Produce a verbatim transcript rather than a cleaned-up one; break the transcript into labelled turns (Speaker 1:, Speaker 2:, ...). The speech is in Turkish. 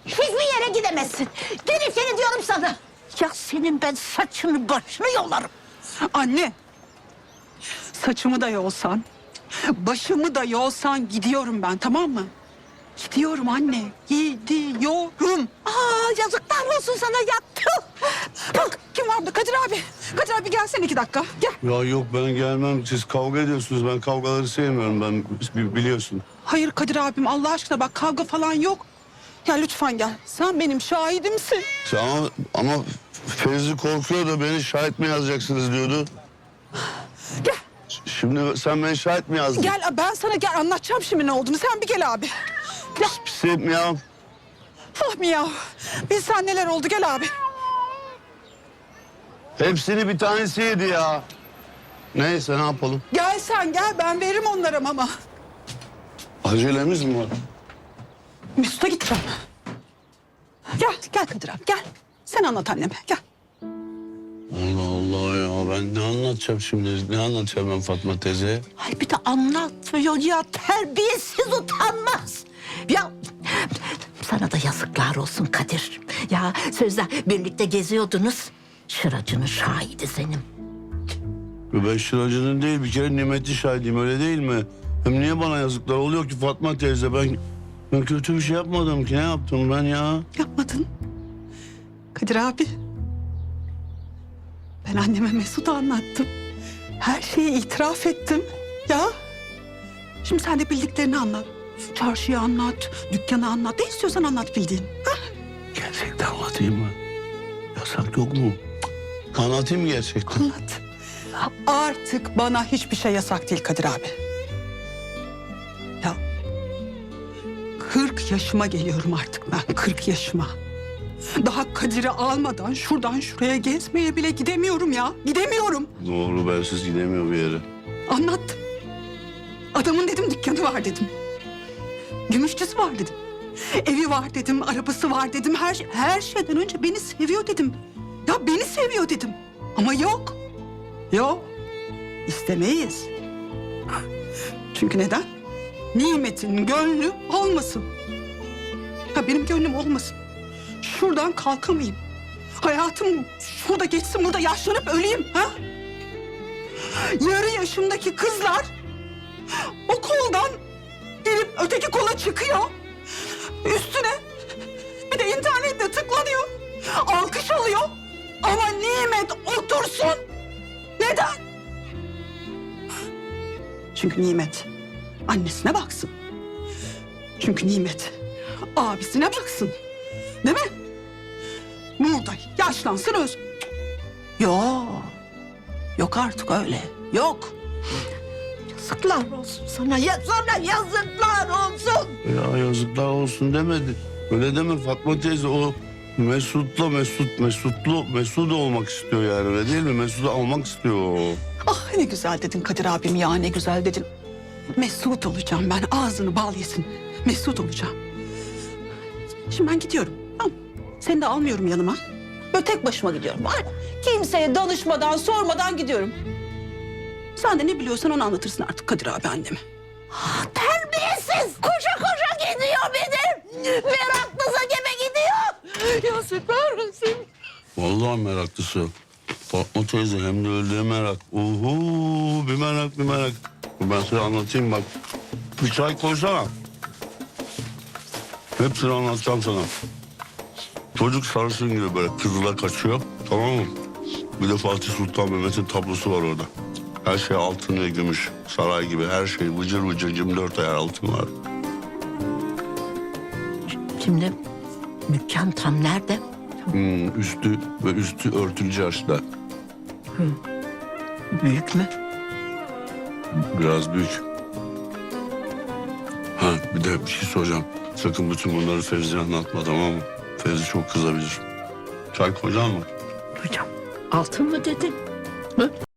Speaker 1: Hiçbir yere gidemezsin. Geri seni diyorum sana. Ya senin ben saçını başını yolarım.
Speaker 2: Anne, saçımı da yolsan, başımı da yolsan gidiyorum ben, tamam mı? Gidiyorum anne, gidiyorum.
Speaker 1: Aa, yazıklar olsun sana yaktı.
Speaker 2: Bak kim var burada? Kadir abi. Kadir abi gelsene iki dakika, gel.
Speaker 3: Ya yok ben gelmem. Siz kavga ediyorsunuz. Ben kavgaları sevmiyorum. Ben bi- biliyorsun.
Speaker 2: Hayır Kadir abim, Allah aşkına bak kavga falan yok. Ya lütfen gel, sen benim şahidimsin.
Speaker 3: Ama, ama Fevzi korkuyor da beni şahit mi yazacaksınız diyordu.
Speaker 2: Gel.
Speaker 3: Şimdi sen beni şahit mi yazdın?
Speaker 2: Gel, ben sana gel anlatacağım şimdi ne olduğunu. Sen bir gel abi. Gel.
Speaker 3: Pisim ya.
Speaker 2: Fahmi ya. Biz sen neler oldu, gel abi.
Speaker 3: Hepsini bir tanesi yedi ya. Neyse ne yapalım?
Speaker 2: Gel sen gel, ben veririm onlara mama.
Speaker 3: Acelemiz mi var?
Speaker 2: Mesut'a gideceğim. Gel, gel Kadir abi, gel. Sen anlat anneme, gel.
Speaker 3: Allah Allah ya ben ne anlatacağım şimdi? Ne anlatacağım ben Fatma teyze?
Speaker 1: Ay bir de anlatmıyor ya, terbiyesiz, utanmaz. Ya sana da yazıklar olsun Kadir. Ya sözde birlikte geziyordunuz. Şıracının şahidi senin.
Speaker 3: Ben şıracının değil bir kere nimetli şahidiyim öyle değil mi? Hem niye bana yazıklar oluyor ki Fatma teyze? Ben, ben kötü bir şey yapmadım ki. Ne yaptım ben ya?
Speaker 2: Yapmadın. Kadir abi. Ben anneme Mesut'u anlattım. Her şeyi itiraf ettim. Ya. Şimdi sen de bildiklerini anlat. Çarşıyı anlat, dükkanı anlat. Ne istiyorsan anlat bildiğin. Ha?
Speaker 3: Gerçekten anlatayım mı? Yasak yok mu? Anlatayım mı gerçekten?
Speaker 2: Anlat. Artık bana hiçbir şey yasak değil Kadir abi. Ya. Kırk yaşıma geliyorum artık ben. Kırk yaşıma. Daha Kadir'i almadan şuradan şuraya gezmeye bile gidemiyorum ya. Gidemiyorum.
Speaker 3: Doğru bensiz gidemiyor bir yere.
Speaker 2: Anlattım. Adamın dedim dükkanı var dedim. Gümüşçüsü var dedim. Evi var dedim, arabası var dedim. Her, şey- her şeyden önce beni seviyor dedim. Ya beni seviyor dedim. Ama yok. Yok. İstemeyiz. Çünkü neden? Nimetin gönlü olmasın. Ha benim gönlüm olmasın. Şuradan kalkamayayım. Hayatım şurada geçsin, burada yaşlanıp öleyim. Ha? Yarı yaşımdaki kızlar o koldan gelip öteki kola çıkıyor. Üstüne bir de internette tıklanıyor. Alkış alıyor. Ama Nimet otursun. Neden? Çünkü Nimet annesine baksın. Çünkü Nimet abisine baksın. Değil mi? Burada yaşlansın öz. Yok. Yok artık öyle. Yok.
Speaker 1: Yazıklar olsun sana. Ya sana yazıklar olsun.
Speaker 3: Ya yazıklar olsun demedi. Öyle deme Fatma teyze o Mesut'la Mesut, Mesut'lu Mesut olmak istiyor yani öyle değil mi? Mesut'u almak istiyor o.
Speaker 2: Ah ne güzel dedin Kadir abim ya, ne güzel dedin. Mesut olacağım ben, ağzını bal yesin. Mesut olacağım. Şimdi ben gidiyorum. Tamam. Seni de almıyorum yanıma. Böyle tek başıma gidiyorum. Var. Kimseye danışmadan, sormadan gidiyorum. Sen de ne biliyorsan onu anlatırsın artık Kadir abi anneme.
Speaker 1: Ah, terbiyesiz. Koşa koşa gidiyor benim. Meraklısa gibi gidiyor. Yazıklar olsun.
Speaker 3: Vallahi meraklısı. Fatma teyze hem de öyle merak. Uhu bir merak bir merak. Ben size anlatayım bak. Bir çay koysana. Hepsini anlatacağım sana. Çocuk sarışın gibi böyle kızıla kaçıyor. Tamam mı? Bir de Fatih Sultan Mehmet'in tablosu var orada. Her şey altın ve gümüş. Saray gibi her şey vıcır vıcır yirmi dört ayar altın var.
Speaker 1: Şimdi dükkan tam nerede?
Speaker 3: Hmm, üstü ve üstü örtülü çarşıda.
Speaker 1: Büyük mü?
Speaker 3: Biraz büyük. Ha bir de bir şey soracağım. Sakın bütün bunları Fevzi'ye anlatma tamam mı? Fevzi çok kızabilir. Çay koyacak mı?
Speaker 1: Hocam altın mı dedin? Hı?